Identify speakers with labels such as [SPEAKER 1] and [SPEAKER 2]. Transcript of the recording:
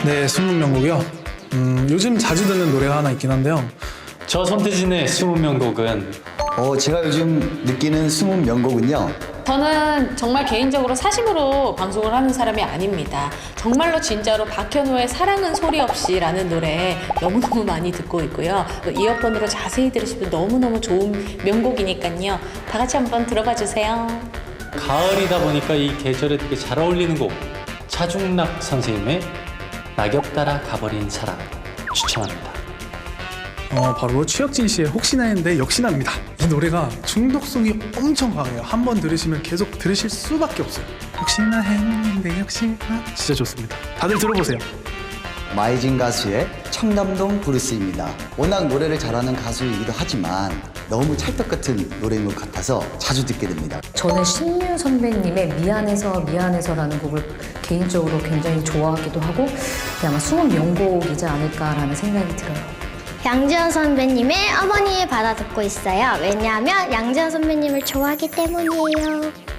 [SPEAKER 1] 네, 숨은 명곡이요. 요즘 자주 듣는 노래가 하나 있긴 한데요.
[SPEAKER 2] 저 손태진의 20명곡은
[SPEAKER 3] 제가 요즘 느끼는 숨은 명곡은요.
[SPEAKER 4] 저는 정말 개인적으로 사심으로 방송을 하는 사람이 아닙니다. 정말로 진짜로 박현호의 사랑은 소리 없이라는 노래 너무너무 많이 듣고 있고요. 또 이어폰으로 자세히 들으시면 너무너무 좋은 명곡이니까요. 다 같이 한번 들어봐 주세요.
[SPEAKER 2] 가을이다 보니까 이 계절에 되게 잘 어울리는 곡 차중락 선생님의 낙엽 따라 가버린 사랑 추천합니다.
[SPEAKER 1] 바로 최혁진 씨의 혹시나 했는데 역시나입니다. 이 노래가 중독성이 엄청 강해요. 한번 들으시면 계속 들으실 수밖에 없어요. 혹시나 했는데 역시나 진짜 좋습니다. 다들 들어보세요.
[SPEAKER 3] 마이진 가수의 청담동 브루스입니다. 워낙 노래를 잘하는 가수이기도 하지만 너무 찰떡 같은 노래인 것 같아서 자주 듣게 됩니다.
[SPEAKER 5] 저는 신유 선배님의 미안해서라는 곡을 개인적으로 굉장히 좋아하기도 하고 아마 숨은 명곡이지 않을까라는 생각이 들어요.
[SPEAKER 6] 양지연 선배님의 어머니의 바다 듣고 있어요. 왜냐하면 양지연 선배님을 좋아하기 때문이에요.